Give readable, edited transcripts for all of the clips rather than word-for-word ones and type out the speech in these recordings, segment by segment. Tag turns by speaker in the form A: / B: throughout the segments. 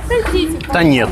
A: Отдадите.
B: Да нет.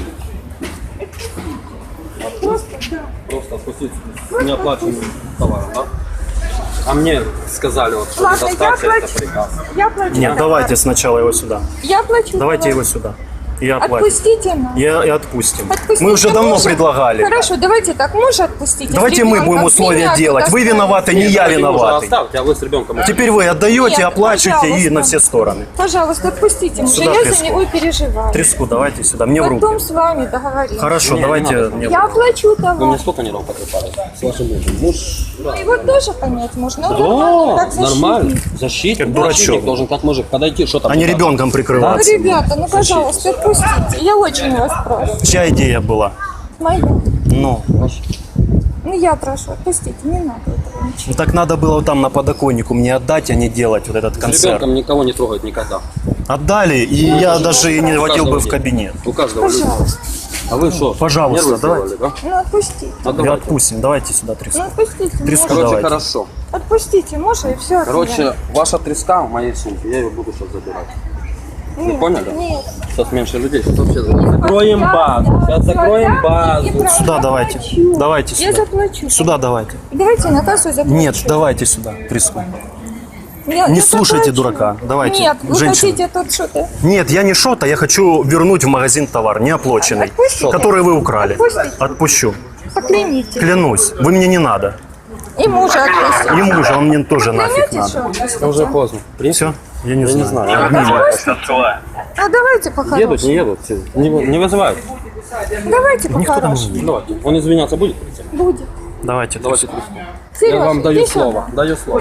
C: Просто отпустить неоплаченным товаром, да? А мне сказали, вот, что
A: Ладно, я
C: доставьте, это
A: плачу.
C: приказ.
A: Я плачу.
B: Нет, давайте сначала его сюда.
A: Я плачу.
B: Давайте его сюда. Я оплачу.
A: Отпустите нас.
B: И отпустим.
A: Отпустите
B: Мы уже давно
A: мужа.
B: предлагали.
A: Хорошо, давайте так, мужа отпустите.
B: Давайте мы будем условия делать. Вы виноваты, не я
C: Вы мужа
B: виноватый.
C: оставьте, а вы с ребенком.
B: Теперь вы отдаете,
A: Нет,
B: оплачиваете и
A: пожалуйста.
B: на все стороны.
A: Пожалуйста, отпустите мужа.
B: Сюда
A: Я
B: треску.
A: за него переживаю.
B: Треску давайте сюда, мне в
A: Потом
B: руки.
A: с вами договоримся.
B: Хорошо,
C: Не,
B: давайте
C: не надо.
B: мне в
A: Я
B: руки.
A: оплачу
C: Вы мне
A: товар.
C: сколько нервов потрепали с вашим мужем? Муж,
A: Ну, его тоже понять можно. Он нормально,
C: да,
A: как защитник.
C: нормально. Защитник,
B: Как дурачок.
C: защитник должен как мужик подойти, что там.
B: А не
C: показывать.
B: ребенком
A: Ну,
B: прикрываться.
A: ребята, ну, пожалуйста, отпустите. Я очень вас прошу.
B: Чья идея была?
A: Моя.
B: Ну,
A: Ну, я прошу, отпустите, не надо этого ничего.
B: ну так надо было там на подоконнику мне отдать, а не делать вот этот
C: С
B: концерт.
C: ребенком никого не трогать никогда.
B: Отдали, и я даже и не водил бы в кабинет.
C: У каждого люди.
A: Пожалуйста.
C: А вы что?
B: Пожалуйста,
C: нервы
B: давайте.
C: сделали, да?
A: Ну, отпустите.
C: Ну,
B: И
C: давайте.
B: отпустим, давайте сюда треску.
A: Ну, отпустите
B: Треску
A: мужа.
C: Короче,
B: давайте.
C: хорошо.
A: Отпустите мужа и все.
C: Короче, ваша треска в моей сумке, я ее буду сейчас забирать.
A: нет,
C: поняли?
A: Нет.
C: Сейчас меньше людей, сейчас вообще закроем базу. Сейчас закроем базу.
B: Сюда давайте. Давайте
A: Я
B: сюда.
A: заплачу.
B: Сюда давайте.
A: Давайте на кассу заплачу.
B: Нет, давайте сюда треску.
A: Я
B: Не слушайте
A: заплачу.
B: дурака. Давайте,
A: Нет, вы
B: женщина.
A: хотите тут что-то.
B: Нет, я не шота, я хочу вернуть в магазин товар, неоплаченный,
A: Отпустите.
B: который вы украли.
A: Отпустите.
B: Отпущу.
A: Поклянитесь.
B: Клянусь, вы мне не надо.
A: И мужа отпустите.
B: И мужа, он мне тоже нафиг
A: Поклянитесь,
B: надо.
A: что отпустите?
C: Уже поздно.
B: Все? Я не
C: Я
B: знаю.
C: не знаю.
A: А давайте
C: Едут,
A: по-хорошему.
C: не едут, не вызывают.
A: Давайте по-хорошему.
C: Давайте. Он извиняться будет?
A: Будет.
B: Давайте.
C: Давайте треску.
A: Сережа,
C: Я вам даю
A: иди сюда.
C: слово. Даю слово.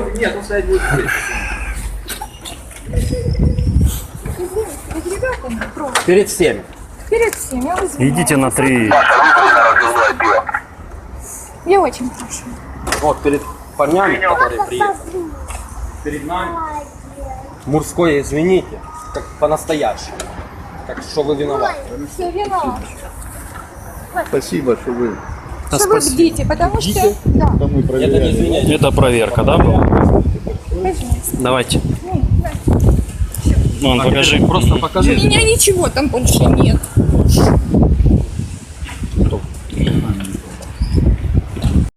A: Перед ребятами просто.
C: Перед всеми.
A: Перед всеми. Я извиняюсь.
B: Идите на 3.
A: Я очень прошу.
C: Вот перед парнями, которые приехали. Перед нами. Мужское извините. Как по-настоящему. Так что вы виноваты.
A: Все виноват.
D: Спасибо, что вы
B: Да,
A: Что вы
B: спасибо.
A: бдите, потому что... Да,
D: мы
C: Это
D: проверяли.
C: не извиняйте.
B: Это проверка, да, была?
A: пожалуйста.
B: Давайте.
A: Ну, да.
B: Вон, покажи.
C: Просто
A: У
C: покажите.
A: меня ничего там больше нет.